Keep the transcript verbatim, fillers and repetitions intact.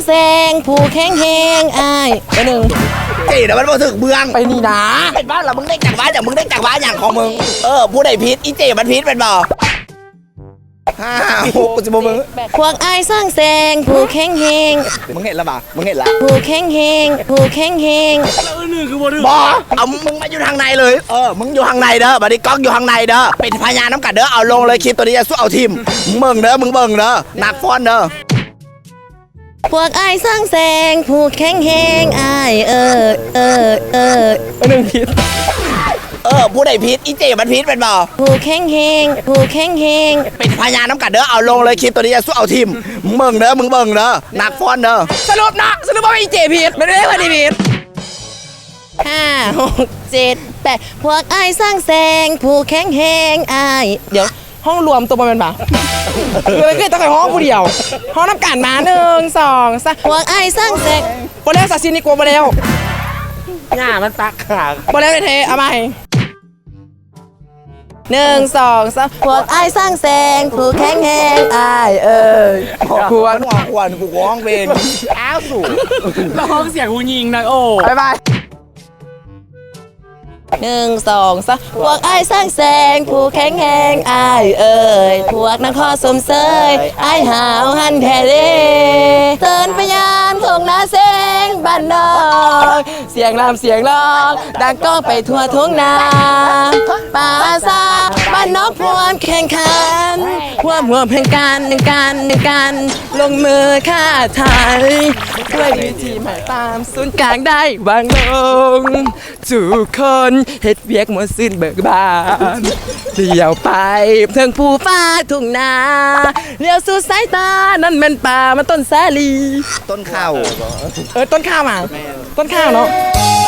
แสงผู้แข็งแหงอายไปหนึ่งเจ๋นะมันมาถึงเมืองไปนี่นะเป็นบ้านเรามึงได้จากบ้านอย่างมึงได้จากบ้านอย่างของมึงเออผู้ใดพิษอีเจ๋มันพิษเป็นบ่ห้าหกสิบมึงพวกอายสร้างแสงผู้แข็งแหงมึงเห็นแล้วบ่มึงเห็นแล้วผู้แข็งแหงผู้แข็งแหงแล้วหนึ่งคือบ่ดื้อบ่เอามึงมาอยู่ทางในเลยเออมึงอยู่ทางในเด้อบัดนี้ก๊อกอยู่ทางในเด้อเป็นพยานน้ำกัดเด้อเอาลงเลยคลิปตัวนี้จะสู้เอาทีมมึงเบิ่งเด้อมึงเบิ่งเด้อหนักฟ้อนเด้อพวกอายสร้างแสงผู้แข็งแหงอายเออเออเออหนึ่งพิษเออผู้ใดพิษอีเจ๋มันพิษเป็นบ่ผู้แข็งแหงผู้แข็งแหงเป็นพยานน้ำกัดเด้อเอาลงเลยคลิปตัวนี้จะสู้เอาทีมมึงเบิ่งเด้อมึงเบิ่งเด้อหนักฟ้อนเด้อสรุปนะสรุปว่าอีเจ๋ผิดไม่ได้ว่าดีผิดห้าหกเจ็ดแปดพวกอายสร้างแสงผู้แข็งแหงอายเดี๋ยวห้องรวมตัวมันป่ะเลยคือต้องใส่ห้องผู้เดียวห้องน้ำกันมาหนึ่งสองสามพวกไอ้สร้างเสร็จโบเลวสัสินิโกโบเลวหน้ามันปักขาโบเลวเทเอาใหม่หนึ่งสองสามพวกไอ้สร้างแสงผู้แข็งแรงไอ้เอ้ยพวกหัวขวานกูร้องเป็นอ้าวสูงร้องเสียงหูยิงนะโอ้บายบายหนึ่งสองสามพวกไอ้สร้างแสงผู้แข็งแรงไอ้เอ้ยพวกนักข้อสมเสยไอ้หาวหันแท้เด้เตือนพยานของนาเสงบ้านนอกเสียงรำเสียงร้องดังก้องไปทั่วทุ่งนาป่าซาบ้านนอกพวมแข่งขันพวมหัวเพลงกันหนึ่งกันหนึ่งกันลงมือฆ่าไทยด้วยวิธีหมายตามศูนย์กลางได้วางลงทุกคนเฮ็ดเวียกหมดสิ้นเบิกบานเลี้ยวไปเทิงภูฟ้าทุ่งนาเลี้ยวสู่สายตานั่นแม่นป่ามันต้นสาลีต้นข้าวเออต้นข้าวมาต้นข้าวเนาะ